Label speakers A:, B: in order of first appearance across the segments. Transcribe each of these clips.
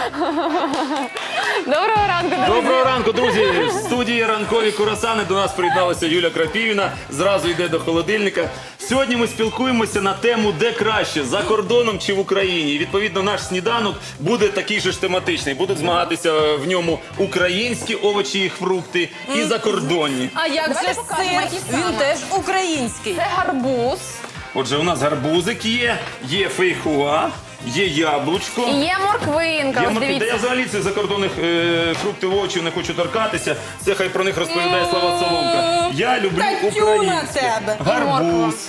A: Доброго ранку, друзі.
B: Доброго ранку, друзі! В студії ранкові курасани до нас приєдналася Юля Крапівіна. Зразу йде до холодильника. Сьогодні ми спілкуємося на тему «Де краще? За кордоном чи в Україні?». І, відповідно, наш сніданок буде такий же ж тематичний. Будуть змагатися в ньому українські овочі і фрукти і закордонні.
C: А як
A: Давайте
C: же
A: покажемо,
C: сир?
A: які саме.
C: Він теж український.
A: Це гарбуз.
B: Отже, у нас гарбузик є фейхоа, є яблучко.
A: І є морквинка,
B: Я,
A: ось
B: Та я
A: дивіться.
B: взагалі цих закордонних фруктів, овочів не хочу торкатися. Це хай про них розповідає Слава Соломка. Я люблю
C: Та тю на
B: українське.
C: тебе.
B: Гарбуз,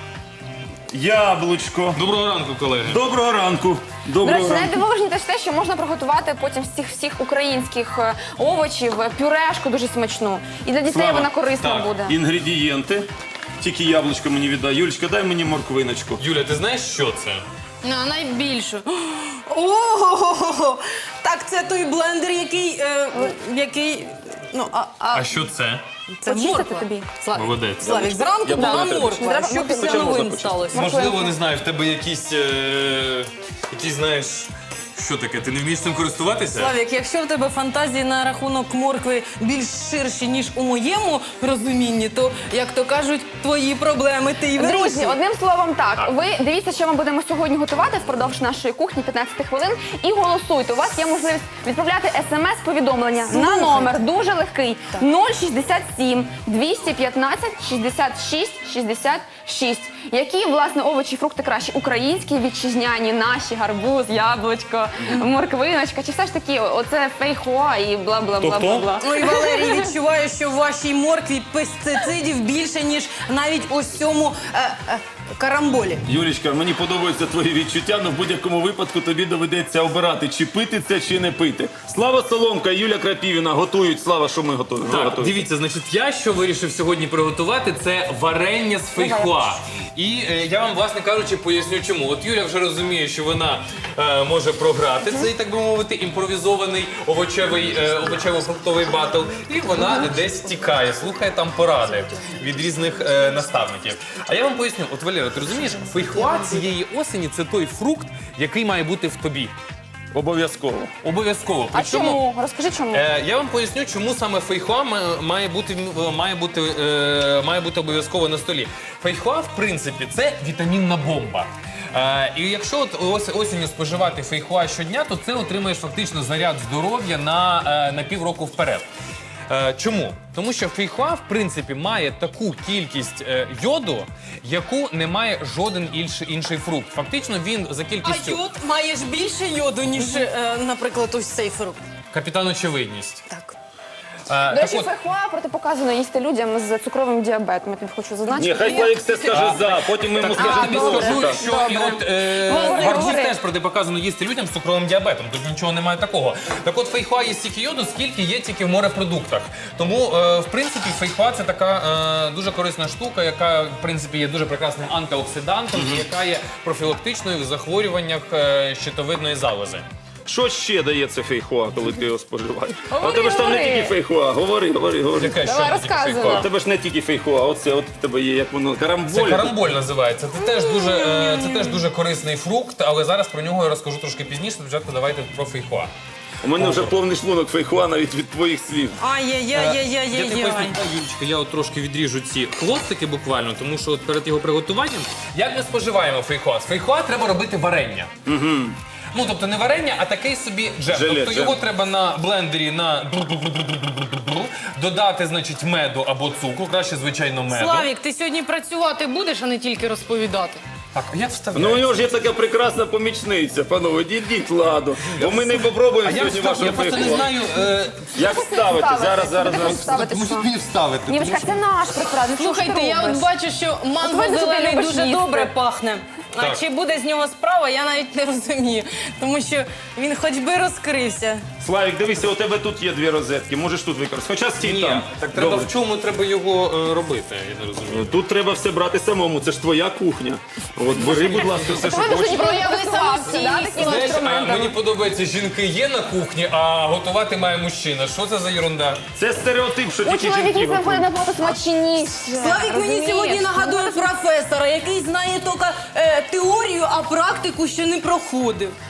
B: яблучко.
D: Доброго ранку, колеги.
B: Доброго ранку.
A: До
B: Доброго
A: речі,
B: ранку.
A: найдивовижніше те, що можна приготувати потім з цих всіх українських овочів пюрешку дуже смачну. І для дітей
B: Слава,
A: вона корисна
D: так.
A: буде.
B: Інгредієнти. Тільки яблучко мені віддай. Юлечка, дай мені морквиночку.
D: Юля, ти знаєш, що це?
C: На найбільшу. Ого! Так це той блендер, який, ну,
D: А що це?
C: це
A: Почистити
C: морква.
A: тобі.
D: Молодець.
C: Славік, зранку
B: Я
C: була
B: буду
C: морква.
A: треба.
C: Що після
B: Хоча можна
C: новин
B: почистити.
C: сталося?
D: Можливо, не знаю, в тебе якісь, знаєш, що таке? Ти не вмієш цим користуватися?
C: Славік, якщо в тебе фантазії на рахунок моркви більш ширші, ніж у моєму розумінні, то, як то кажуть, твої проблеми ти і
A: Друзі,
C: вирішуй.
A: одним словом так, ви дивіться, що ми будемо сьогодні готувати впродовж нашої кухні 15 хвилин і голосуйте. У вас є можливість відправляти смс-повідомлення на номер дуже легкий 067 215 66 66. Які, власне, овочі, фрукти краще? Українські, вітчизняні, наші, гарбуз, яблучко, морквиночка, чи все ж таки оце фейхоа і бла-бла-бла-бла-бла.
C: Ой, Валерій, відчуваю, що в вашій моркві пестицидів більше, ніж навіть ось цьому карамболі.
B: Юлічка, мені подобаються твої відчуття, але в будь-якому випадку тобі доведеться обирати, чи пити це, чи не пити. Слава Соломка і Юля Крапівіна готують. Слава, що ми готуємо?
D: Так, дивіться, значить, я що вирішив сьогодні приготувати, це варення з фейхоа. І я вам, власне кажучи, поясню чому. От Юля вже розуміє, що вона може програти цей, так би мовити, імпровізований овочево-фруктовий батл. І вона десь тікає, слухає там поради від різних наставників. А я вам поясню, от Валера, ти розумієш, фейхоа цієї осені – це той фрукт, який має бути в тобі.
B: Обов'язково.
D: Обов'язково.
A: А чому? Розкажи, чому.
D: Я вам поясню, чому саме фейхоа має бути обов'язково на столі. Фейхоа, в принципі, це вітамінна бомба. І якщо от осінню споживати фейхоа щодня, то це отримаєш фактично заряд здоров'я на півроку вперед. Чому? Тому що фейхоа, в принципі, має таку кількість йоду, яку не має жоден інший фрукт. Фактично він за
C: А
D: кількістю...
C: йод маєш більше йоду, ніж, наприклад, ось цей фрукт.
D: Капітан очевидність.
C: Так.
A: До речі, фейхоа протипоказано їсти людям з цукровим діабетом. Я тобі хочу зазначити.
B: Ні, хай Славік все скаже за, потім ми йому
D: Я
B: скажемо
D: тобі
B: проти.
D: скажу,
B: так.
D: що і от гарбуз
A: говори.
D: теж протипоказано їсти людям з цукровим діабетом, тут нічого немає такого. Так от фейхоа є стільки йоду, скільки є тільки в морепродуктах. Тому, в принципі, фейхоа – це така дуже корисна штука, яка, в принципі, є дуже прекрасним антиоксидантом, і яка є профілактичною в захворюваннях щитовидної залози.
B: Що ще дає це фейхоа, коли ти його споживаєш? А у
A: Говори,
B: тебе ж там не
A: говори.
B: тільки фейхоа. Говори.
D: Яка
A: Давай,
D: що
A: розказуй.
D: фейхоа?
B: У тебе ж не тільки фейхоа, оце от в тебе є, як воно,
D: Це
B: карамболь.
D: карамболь називається. Це теж дуже корисний фрукт, але зараз про нього я розкажу трошки пізніше. Спочатку давайте про фейхоа.
B: У мене вже повний шлунок фейхоа навіть від твоїх слів.
D: Я тобі
C: Ай-яй-яй-яй-яй-яй.
D: поясню, Юлічка, я от трошки відріжу ці хвостики буквально, тому що от перед його приготуванням, як ми споживаємо фейхоа? З фейхоа треба робити варення. Ну, тобто не варення, а такий собі джем.
B: Желе,
D: Тобто
B: джем.
D: його треба на блендері додати, значить, меду або цукру, краще, звичайно, меду.
C: Славік, ти сьогодні працювати будеш, а не тільки розповідати.
D: Так, а як вставляється?
B: Ну у нього ж є така прекрасна помічниця, панове, дідіть ладу. Бо ми не попробуємо
D: А як
B: сьогодні
D: вставити?
B: вашого
D: Я просто не
B: фейхоа.
D: знаю...
B: Як ставити? Зараз.
A: Ставити, що?
D: мені вставити.
A: Нівочка, це наш препарат. Ну, що ж ти
C: Слухайте, я
A: робиш?
C: от бачу, що манго
A: видно, що ти
C: зелений
A: любиш
C: дуже
A: їсти.
C: добре пахне. А
D: Так.
C: чи буде з нього справа, я навіть не розумію. Тому що він хоч би розкрився.
B: Славік, дивися, у тебе тут є дві розетки, можеш тут використати. Хоча стій
D: Ні,
B: там.
D: так треба
B: Добре.
D: в чому треба його робити, я не розумію.
B: Тут треба все брати самому, це ж твоя кухня. От бери, будь ласка, все, що
A: Ви дуже
B: хочеш.
C: Прояви
A: готувався, да,
C: самостійність.
A: таким
D: Знаєш,
A: інструментом?
D: мені подобається, жінки є на кухні, а готувати має мужчина. Що це за ерунда?
B: Це стереотип, що
A: У
B: тільки жінки
A: чоловіків
B: готують.
A: виходить набагато смачніше.
C: Славік мені
A: розумієш?
C: сьогодні нагадує професора, який знає тільки теорію, а практику ще не проходив.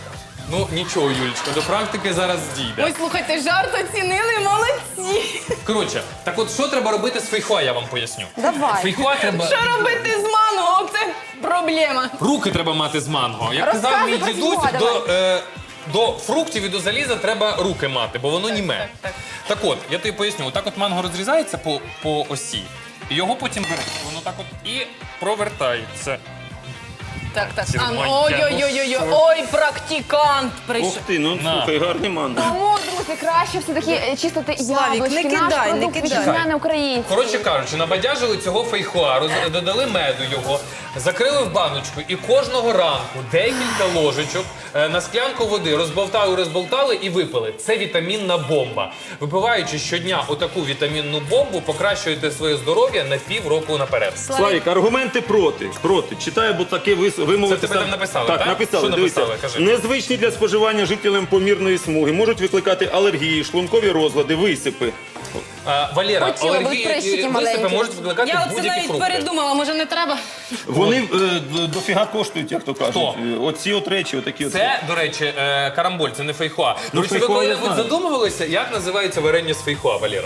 D: Ну нічого, Юлічка, до практики зараз дійде.
C: Ой, слухайте, жарт оцінили, молодці.
D: Коротше, так от що треба робити з фейхоа, я вам поясню.
A: Давай.
D: Фейхоа треба...
C: Що робити з манго? Це проблема.
D: Руки треба мати з манго. Як казав
A: Розказуй
D: мій
A: про
D: дідусь,
A: фейхоа,
D: до фруктів і до заліза треба руки мати, бо воно німе.
C: так.
D: Так от, я тобі поясню, отак от манго розрізається по осі, і його потім береш. Воно так от і провертається.
C: Так.
D: Сірмонька.
C: Ой-ой-ой, ой, практикант
B: Ух
C: прийшов.
B: ти, ну
D: На.
B: слухай, гарний манго.
A: Тому, друзі, краще все-таки чистити
C: Славік,
A: яблучки,
C: не
A: наш
C: кидай, не
A: продукт
C: кидай.
A: вітчизняний український.
D: Коротше кажучи, набадяжили цього фейхоа, додали меду його, закрили в баночку і кожного ранку декілька ложечок на склянку води розболтали і випили. Це вітамінна бомба. Випиваючи щодня отаку вітамінну бомбу, покращуєте своє здоров'я на півроку наперед.
B: Славік, аргументи проти. Проти. Читаю, бо таке вимовити.
D: Це тебе там написали,
B: так?
D: так?
B: Написали,
D: Що
B: дивіться.
D: написали? Кажи.
B: Незвичні для споживання жителям помірної смуги, можуть викликати алергії, шлункові розлади, висипи.
D: Валера,
A: Хотіла б
D: алергії
A: прищики
D: і висипи
A: маленькі.
D: можуть викликати
C: Я оце
D: будь-які
C: навіть
D: фрукти.
C: передумала, може не треба?
B: Вони дофіга коштують, як то кажуть.
D: Хто?
B: Оці от речі, отакі от.
D: Це, до речі, карамболь, це не фейхоа. До речі, ви
B: фейхоа я
D: коли-небудь
B: знаю.
D: задумувалися, як називається варення з фейхоа, Валера?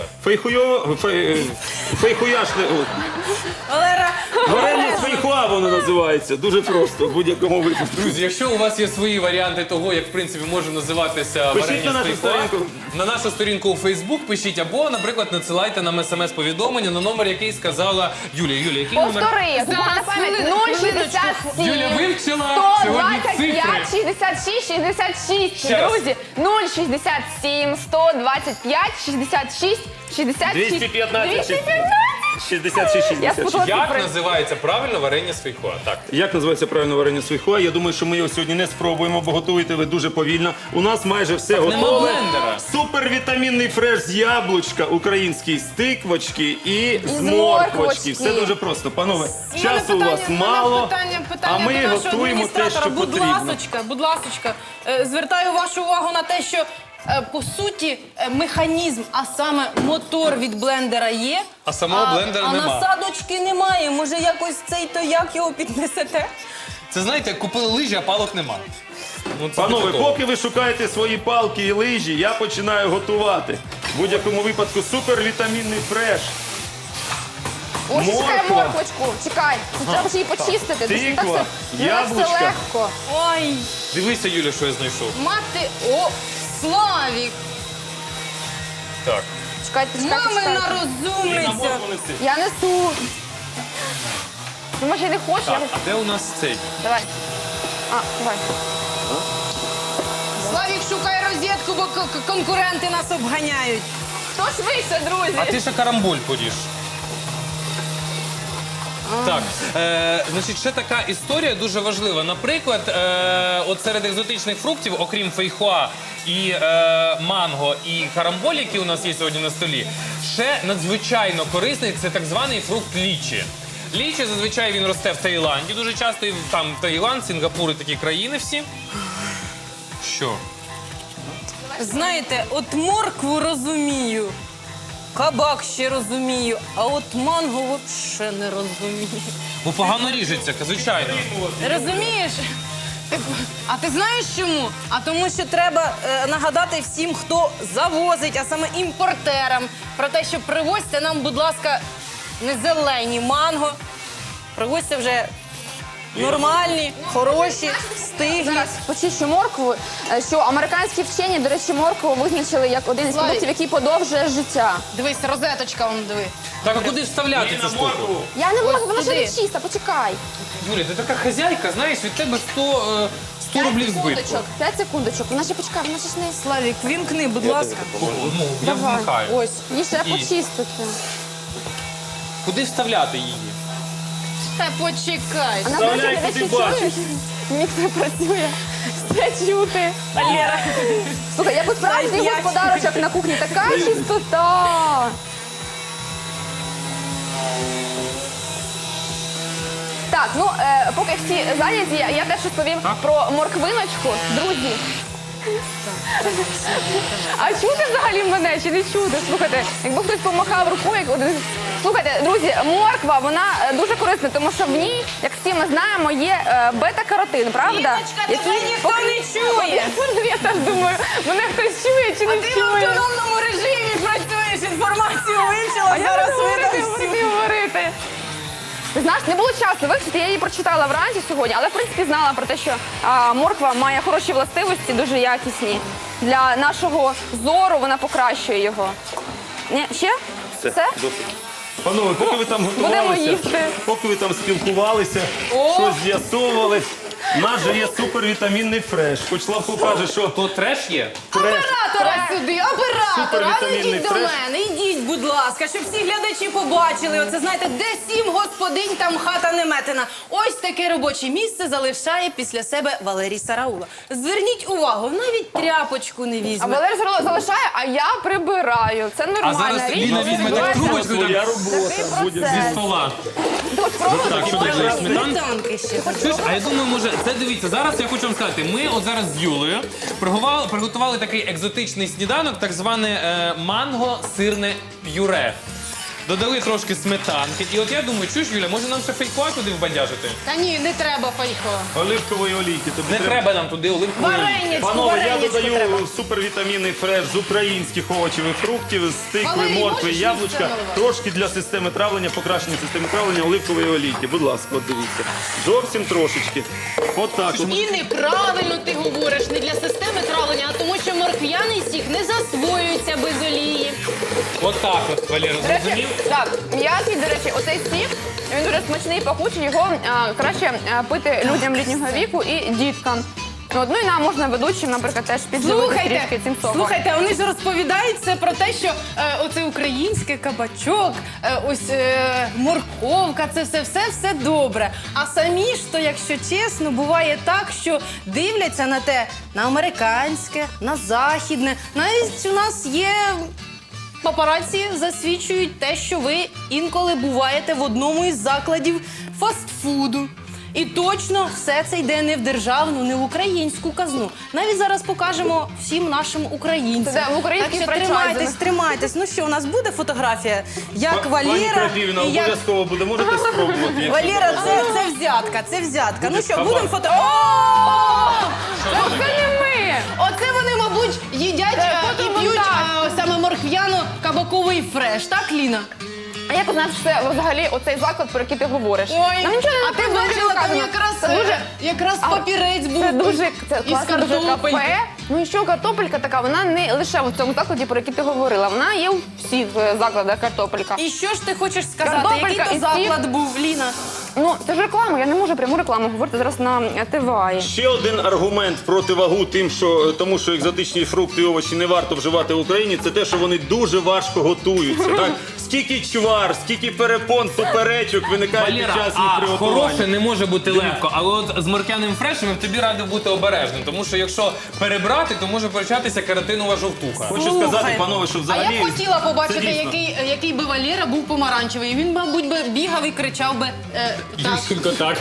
B: Фейхуяшне.
C: Валера,
B: Варення з фейхуа воно називається. Дуже просто, в будь-якому випадку.
D: Друзі, якщо у вас є свої варіанти того, як в принципі може називатися
B: Пишіть
D: варення
B: на
D: з
B: нашу
D: фейхоа,
B: сторінку.
D: на нашу сторінку у Фейсбук пишіть, або, наприклад, надсилайте нам смс-повідомлення на номер, який сказала Юлія. Юлія, який номер?
A: Повтори, зуб на пам'ять
C: хвилиночку.
A: 067
D: Юля вивчила сьогодні
A: 125
D: цифри.
A: 66 66.
D: Ще раз.
A: Друзі, 067 125 66 66.
B: 215 66
A: Я
B: 66.
A: спутала
D: Як
A: цифри.
D: називається правильно варення з фейхоа? Так.
B: Як називається правильно варення з фейхоа? Я думаю, що ми його сьогодні не спробуємо, бо готуєте ви дуже повільно. У нас майже все
D: нема
B: готове.
D: блендера.
B: Супервітамінний фреш з яблучка, український з тиквочки і з
A: морквочки.
B: морквочки. Все дуже просто. Панове, часу у вас мало, а ми
C: до нашого
B: готуємо те, що
C: адміністратора.
B: потрібно.
C: Будь ласочка, звертаю вашу увагу на те, що по суті механізм, а саме мотор від блендера є,
D: А самого блендера
C: а
D: нема.
C: насадочки немає. Може якось цей то як його піднесете?
D: Це знаєте, купили лижі, а палок нема. Ну, це
B: Панове,
D: типу того.
B: поки ви шукаєте свої палки і лижі, я починаю готувати. В будь-якому випадку супервітамінний фреш.
A: Ось чекай
B: Морква.
A: морквочку. Чекай. Треба ж її почистити.
B: Тиква,
A: Так все- не так все
B: яблучка.
A: легко.
C: Ой,
D: Дивися, Юля, що я знайшов.
C: мати, о, Славік,
B: Так.
A: Чекайте,
C: мамина
A: чекайте.
C: розумниця.
B: Я
A: Я несу. Ну, може, не хочеш?
D: Так,
A: Я...
D: а де у нас цей?
A: Давай. Давай.
C: Славік, шукай розетку, бо конкуренти нас обганяють.
A: Хто швидше, друзі?
D: А ти ще карамболь поріж. Так, значить, ще така історія дуже важлива. Наприклад, от серед екзотичних фруктів, окрім фейхоа і манго, і карамболь, які у нас є сьогодні на столі, ще надзвичайно корисний – це так званий фрукт лічі. Лічі, зазвичай він росте в Таїланді дуже часто, і там Таїланд, Сінгапур і такі країни всі. Що?
C: Знаєте, от моркву розумію, кабак ще розумію, а от манго взагалі не розумію.
D: Бо погано ріжеться, звичайно.
C: Розумієш? А ти знаєш чому? А тому, що треба нагадати всім, хто завозить, а саме імпортерам, про те, що привозьте нам, будь ласка, не зелені манго, привозьте вже нормальні, хороші, стиглі.
A: Зараз почищу моркву, що американські вчені, до речі, моркву визначили як один із
C: Славік.
A: продуктів, який подовжує життя.
C: Дивись, розеточка, вон диви.
D: Так, а куди вставляти цю штуку?
A: Я не можу, вона ще
C: туди.
A: не чиста, почекай.
D: Юля, ти така хазяйка, знаєш, від тебе 100 рублів збитку.
A: 5 секундочок, вона ще почекай, вона ще ж не...
C: Славік, вімкни, будь ласка.
D: Ну, я
A: Давай.
D: вмикаю.
C: Ось.
A: Її ще
D: І?
A: почистити.
D: Куди вставляти її?
C: Та почекай.
A: Вона,
B: Вставляй,
A: до речі,
B: куди
A: не
B: бачиш.
A: чуєш? Міксер працює. Все чути.
C: Валера.
A: Слухай, як у справжній
C: Дай
A: господарочок на кухні, така чистота. Так, ну, поки всі зайняті, я теж розповім про морквиночку. Друзі. А чути взагалі мене чи не чути? Слухайте, якби хтось помахав рукою, як один Слухайте, друзі, морква, вона дуже корисна, тому що в ній, як всі ми знаємо, є бета-каротин, правда?
C: Ліночка, тебе ніхто не чує.
A: Я теж думаю, мене хтось чує чи не
C: Ти в
A: чує.
C: автономному режимі працюєш, інформацію вивчила,
A: А я
C: зараз
A: буду говорити,
C: видав
A: говорити,
C: всю.
A: говорити. Ти знаєш, не було часу вивчити, я її прочитала вранці сьогодні, але в принципі знала про те, що морква має хороші властивості, дуже якісні. Для нашого зору вона покращує його. Ні, ще? Все?
B: Досить. Панове, поки ви там
A: Будемо
B: готувалися,
A: їсти.
B: поки ви там спілкувалися, щось з'ясовували, у нас же є супервітамінний фреш. Хоч Славко каже, що
D: То треш є?
B: фреш.
C: Оператора сюди, оператора, а ну
B: Супервітамінний
C: йдіть до
B: фреш.
C: мене, йдіть, будь ласка, щоб всі глядачі побачили. Оце, знаєте, де 7 господинь, там хата не метена. Ось таке робоче місце залишає після себе Валерій Сараула. Зверніть увагу, навіть тряпочку не
A: А
C: візьме.
A: Валерій Сараула залишає, а я прибираю. Це
D: А
A: нормальна
D: зараз
A: річ.
D: Ліна візьме так трубочку
B: Своя
D: так,
B: робота.
A: Такий
B: Буде
A: процес.
D: зі стола.
A: Тут просто
D: Так, що далі? Сметан?
C: Сметанки ще.
D: Чуєш, а я думаю, може, це дивіться, зараз я хочу вам сказати, ми от зараз з Юлею приготували такий екзотичний сніданок, так зване манго-сирне п'юре. Додали трошки сметанки. І от я думаю, чуєш, Юля, може нам ще фейкуа туди вбадяжити?
C: Та ні, не треба файко.
B: Оливкової олійки. Тобі
D: Не треба нам туди оливкової.
C: Варенячку,
B: Панове, я
C: варенячку треба.
B: додаю супервітамінний фреш з українських овочів і фруктів, з тикви,
C: Валерій,
B: моркви,
C: можеш
B: яблучка,
C: місце наливати?
B: трошки для системи травлення, покращення системи травлення оливкової олійки. Будь ласка, от дивіться. Зовсім трошечки. Отак. от.
C: І неправильно ти говориш, не для системи травлення, а тому що морквяний сік не засвоюється без олії.
D: Отак от, Валера,
A: До речі,
D: зрозумів?
A: так, м'який, до речі, оцей сік, він дуже смачний і пахучий, його краще пити людям літнього віку і діткам. От, ну і нам можна ведучим, наприклад, теж підживити трішки цим соком.
C: Слухайте, вони ж розповідають це про те, що оце українське кабачок, ось морковка, це все добре. А самі ж то, якщо чесно, буває так, що дивляться на те, на американське, на західне. Навіть у нас є папараці, засвідчують те, що ви інколи буваєте в одному із закладів фастфуду. І точно все це йде не в державну, не в українську казну. Навіть зараз покажемо всім нашим українцям.
A: Це в український
C: так що
A: франчайзинг.
C: тримайтесь. Ну що, у нас буде фотографія, як
B: Пані
C: Валера
B: Крапівна,
C: і як...
B: обов'язково буде. Можете спробувати. якщо
C: Валера,
B: бажаєте.
C: це взятка, це взятка. Ну що,
B: кабак.
C: будемо фото...
A: Це не ми!
C: Оце вони, мабуть, їдять
A: Це
C: і п'ють
A: фотомонтаж.
C: саме морквяно-кабаковий фреш, так, Ліна?
A: А як ти знаєш, що це взагалі оцей заклад, про який ти говориш? Нам нічого не
C: а ти
A: написано,
C: бачила, там
A: сказано.
C: якраз, якраз папірець був
A: Це дуже це
C: із
A: класне дуже
C: картопельки.
A: кафе. Ну і що картопелька така, вона не лише в цьому закладі, про який ти говорила, вона є у всіх закладах картопелька.
C: І що ж ти хочеш сказати?
A: Картопелька
C: Який то
A: і сік.
C: заклад був, Ліна?
A: Ну, це ж реклама, я не можу пряму рекламу говорити зараз на ТВА.
B: Ще один аргумент проти вагу тому, що екзотичні фрукти і овочі не варто вживати в Україні, це те, що вони дуже важко готуються. Так? Скільки чвар, скільки перепон, суперечок виникає під
D: Валера,
B: час їх
D: а
B: приготування.
D: хороше не може бути легко, але от з моркяним фрешем я б тобі радив бути обережним, тому що якщо перебрати, то може початися каротинова жовтуха.
B: Хочу
C: Слухай,
B: сказати, панове, що
C: А
B: взагалі...
C: я б хотіла побачити,
B: це дійсно.
C: який би Валера був помаранчевий. Він, мабуть, би бігав і кричав би так.
D: Тільки так.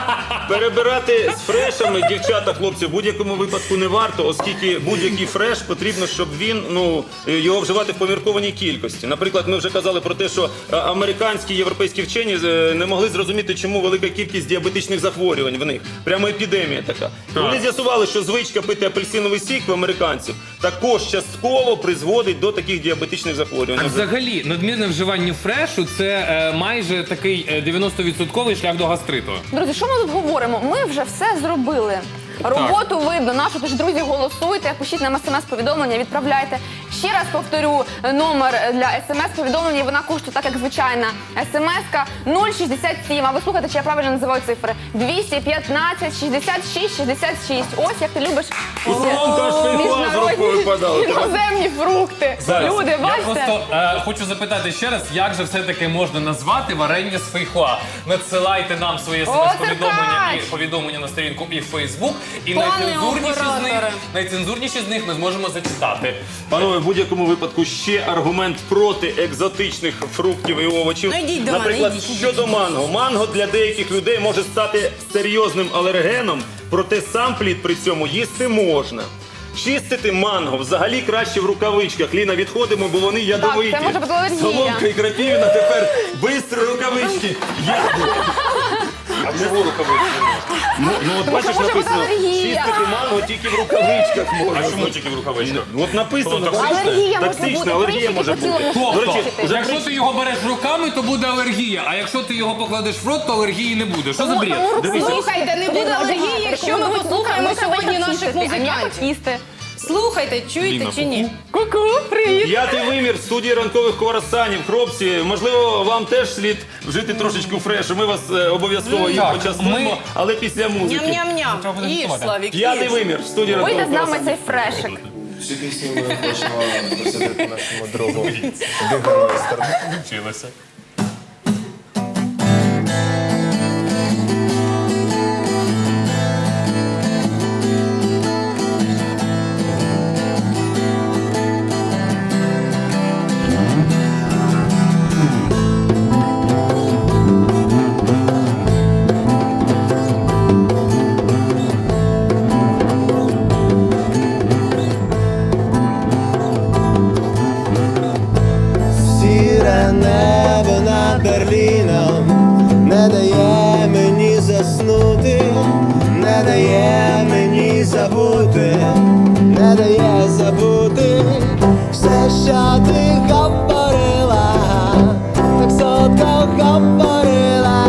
B: Перебирати з фрешами, дівчата, хлопці, в будь-якому випадку не варто, оскільки будь-який фреш потрібно, щоб він, його вживати в поміркованій кількості. Наприклад, ми вже казали про те, що американські, європейські вчені не могли зрозуміти, чому велика кількість діабетичних захворювань в них. Прямо епідемія така. Вони з'ясували, що звичка пити апельсиновий сік в американців також частково призводить до таких діабетичних захворювань.
D: А взагалі, надмірне вживання фрешу – це майже такий 90% шлях до гастриту.
A: Друзі, що ми тут говоримо? Ми вже все зробили. Роботу видно нашу, тож, друзі, голосуйте, пишіть нам смс-повідомлення, відправляйте. Ще раз повторю номер для смс-повідомлення, і вона коштує так, як звичайна смс-ка 067. А ви слухайте, чи я правильно називаю цифри? 215 66 66. Ось як ти любиш
B: Аж фейхоа з руки випадали.
A: іноземні фрукти. Люди,
D: Я
A: бачите?
D: просто хочу запитати ще раз, як же все-таки можна назвати варення з фейхоа? Надсилайте нам свої смс-повідомлення і повідомлення на сторінку і в Фейсбук, і
C: Пане
D: найцензурніші з них ми зможемо зачитати.
B: Панове, в будь-якому випадку ще аргумент проти екзотичних фруктів і овочів.
C: Ну, йдіть до мене,
B: Наприклад,
C: йдіть.
B: щодо манго. Манго для деяких людей може стати серйозним алергеном, проте сам плід при цьому їсти можна. Чистити манго взагалі краще в рукавичках. Ліна, відходимо, бо вони ядовиті.
A: це може бути алергія.
B: Соломка і Крапівна тепер бистро рукавички.
D: А чого рукавички?
B: Ну от бачиш,
A: може бути
B: написано,
A: алергія.
B: чистити манго тільки в рукавичках
D: А
B: можна.
D: чому тільки в рукавичках?
B: От написано,
A: Алергія може бути,
B: токсична алергія
A: прищики
B: може
A: по цілому
B: бути.
A: тілу
B: До речі,
A: чистити.
B: вже
D: Якщо ти його береш руками, то буде алергія. А якщо ти його покладеш в рот, то алергії не буде. Що за бред?
C: Слухайте, не буде алергії, якщо ми послухаємо сьогодні наших музикантів.
A: Їсти.
C: Слухайте, чуєте чи ні?
A: Ку-ку, привіт.
B: П'ятий вимір в студії ранкових круасанів. Хлопці, можливо, вам теж слід вжити трошечку фрешу. Ми вас обов'язково їм
D: Так,
B: почастуємо,
D: ми-
B: але після музики.
D: Треба
C: Ням-ням-ням.
D: буде
C: Їж,
D: готувати.
C: Славік,
B: П'ятий
C: їж.
B: вимір в студії
A: Вийде
B: ранкових
A: з нами
B: круасанів.
A: цей фрешик.
E: Цю пісню ми хочемо присвятити нашому другу Бігермейстеру.
D: Вчилася.
E: Сіре небо над Берліном не дає мені заснути, не дає мені забути, не дає забути все, що ти говорила, так солодко говорила.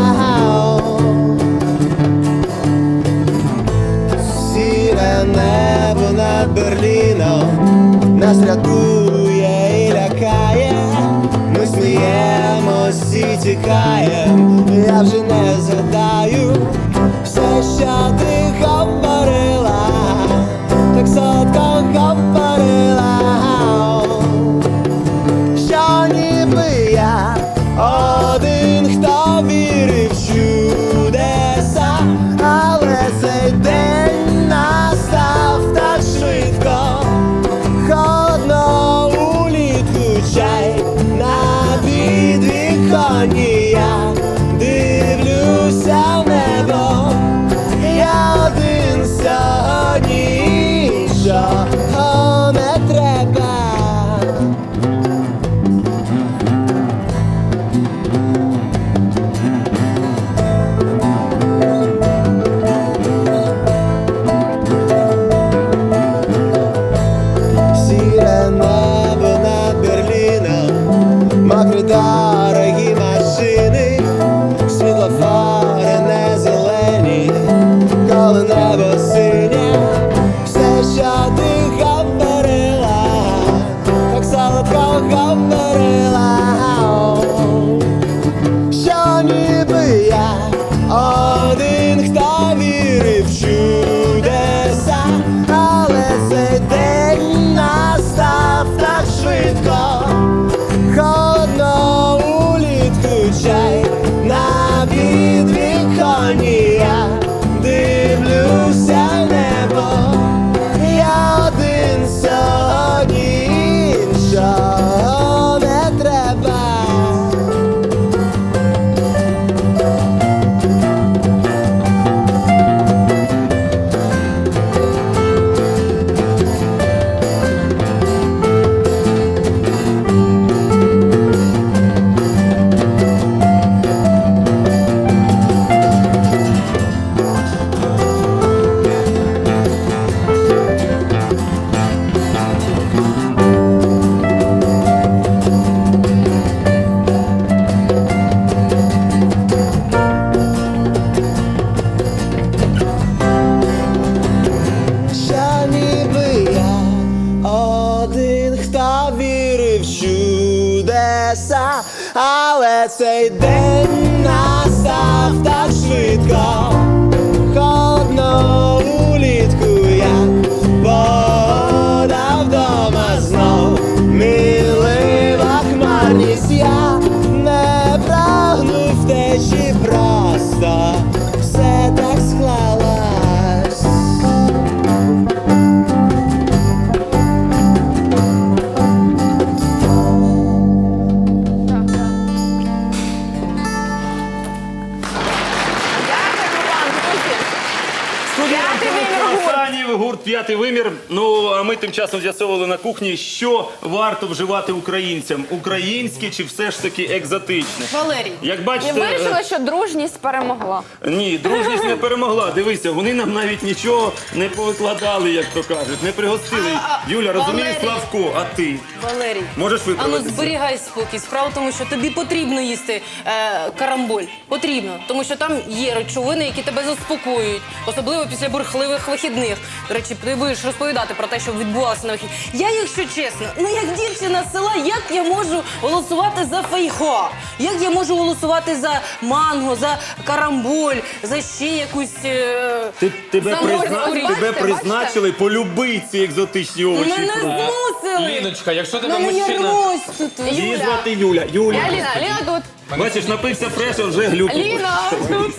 E: Сіре небо над Берліном нас рятує і лякає. Ми сміємось і тікаєм, я вже не згадаю все, що ти говорила, так солодко говорила, що ніби я один, хто вірив в чудеса, але цей день настав так швидко. Холодно улітку чай на підвіконні, я дивлюся в небо, я один сьогодні, іншого не треба. Сіре небо над Берліном, мокрі дорогі машини, світлофори не зелені, коли небо синє, все, що ти говорила, так солодко говорила, що ніби я один, хто вірив в чудеса, але цей день настав так швидко. Холодно улітку чай на підвіконні, я дивлюся в небо, я один сьогодні, іншого не треба. Що ніби я один, хто вірив в чудеса, але цей день настав так швидко. Холодно улітку, як вода вдома знов, милива хмарність, я не прагну втечі, просто все так склалось.
B: Студія Тут п'ятий вимір. Ну а ми тим часом з'ясовували на кухні, що варто вживати українцям: українське чи все ж таки екзотичне.
C: Валерій.
B: Як
A: І
B: бачите,
A: вирішили, що дружність перемогла.
B: ні, дружність не перемогла. Дивися, вони нам навіть нічого не повикладали, як то кажуть, не пригостили. Юля, розумієш,
C: Валерій.
B: Славко, а ти
C: Валерій.
B: можеш
C: А ну
B: виправитися?
C: зберігай спокій. Справа в тому, що тобі потрібно їсти карамболь. Потрібно. Тому що там є речовини, які тебе заспокоюють. Особливо після бурхливих вихідних. До речі, ти будеш розповідати про те, що відбувалося на вихідних. Я, якщо чесно, ну як дівчина з села, як я можу голосувати за фейхоа? Як я можу голосувати за манго, за карамболь, за ще якусь...
B: Тебе
A: Бачите?
B: призначили полюбити ці екзотичні овочі. і
C: Мене
B: фрукти.
C: змусили!
D: Ліночка, якщо тебе
C: Мене
D: мужчина...
C: нервось тут.
B: Її звати Юля. Юля.
A: Ліна тут.
B: Бачиш, напився фреша, вже глюк.
A: Ліна тут.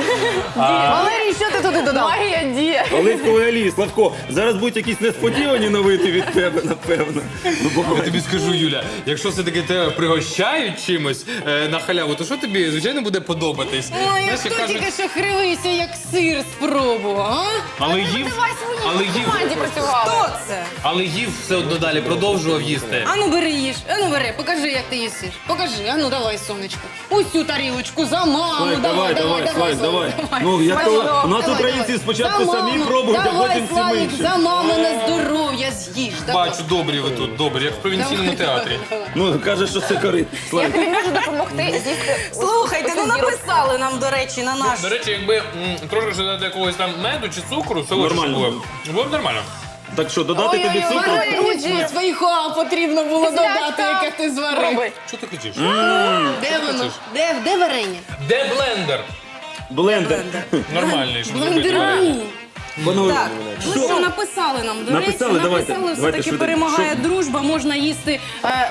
C: Валерій, що ти туди додав?
A: Магія діє.
B: Оливковий олій, Славко, зараз будуть якісь несподівані новини від тебе, напевно. Ну, бо
D: Я тобі скажу, Юля, якщо все-таки тебе пригощають чимось на халяву, то що тобі, звичайно, буде подобатись?
C: Ой, а
D: Знаєш, як
C: хто
D: кажуть,
C: тільки що кривився, як сир спробував, а?
D: але їв,
A: Команді працювали.
C: Хто це?
D: але їв все одно далі, продовжував їсти.
C: Ану бери їж, ану бери, покажи, як ти їсиш. Покажи, ану давай, сонечко. Усю тарілочку за маму,
B: Слайк, давай,
C: давай.
B: давай. Ну, як то, у нас
C: Давай,
B: українці
C: давай.
B: спочатку
C: За
B: самі
C: маму,
B: пробують, а
C: давай,
B: потім всі
C: Славік,
B: інші.
C: за мамине здоров'я з'їж. Давай.
D: Бачу, добрі ви тут, добрі, як в провінційному театрі.
B: Ну, каже, що це корит.
A: Я
B: Слайк.
A: тобі можу допомогти з'їсти.
C: Слухайте, ну
A: оцю зірочку.
C: написали нам, до речі, на наш.
D: До речі, якби трошки додати якогось там меду чи цукру, це
B: Нормально.
D: було б нормально.
B: Так що, додати тобі
A: Ой-ой-ой,
B: цукру?
A: Валерій.
C: Друзі, свайхоа потрібно було додати, яке ти зварив.
A: Пробуй.
D: Що ти кричиш?
C: Де воно? Де варення?
D: Де блендер?
B: Блендер.
D: Нормальний, щоб зробити.
C: Блендеру.
B: Воно...
C: Так, ну що написали нам, до
B: Написали,
C: речі,
B: давайте,
C: написали,
B: давайте
C: все-таки
B: швиденько.
C: перемагає
B: Що?
C: дружба, можна їсти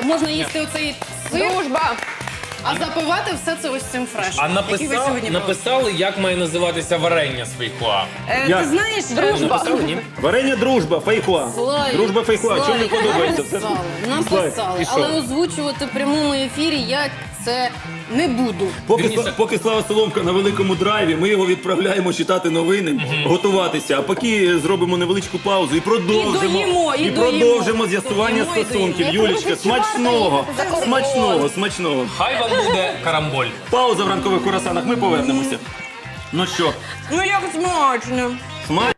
C: оцей сир,
A: Дружба.
C: а запивати все це ось цим фрешем.
D: А
C: який ви сьогодні
D: написали, як має називатися варення з фейхоа.
B: Як?
C: Ти знаєш,
D: Написали, ні?
B: Варення дружба, фейхоа.
C: Слайк,
B: Дружба фейхоа. Чому не
C: Слайк,
B: подобається?
C: Написали,
B: І що?
C: але озвучувати в прямому ефірі я це не буду.
B: Поки Слава Соломка на великому драйві, ми його відправляємо читати новини, готуватися. А поки зробимо невеличку паузу і продовжимо.
C: І доїмо.
B: продовжимо з'ясування
C: Доїмо і
B: стосунків.
C: доїмо.
B: Юлічка, смачного, смачного, смачного.
D: Хай вам буде карамболь.
B: Пауза в ранкових курасанах. Ми повернемося. Ну що,
C: Ну як смачно.
B: смачно?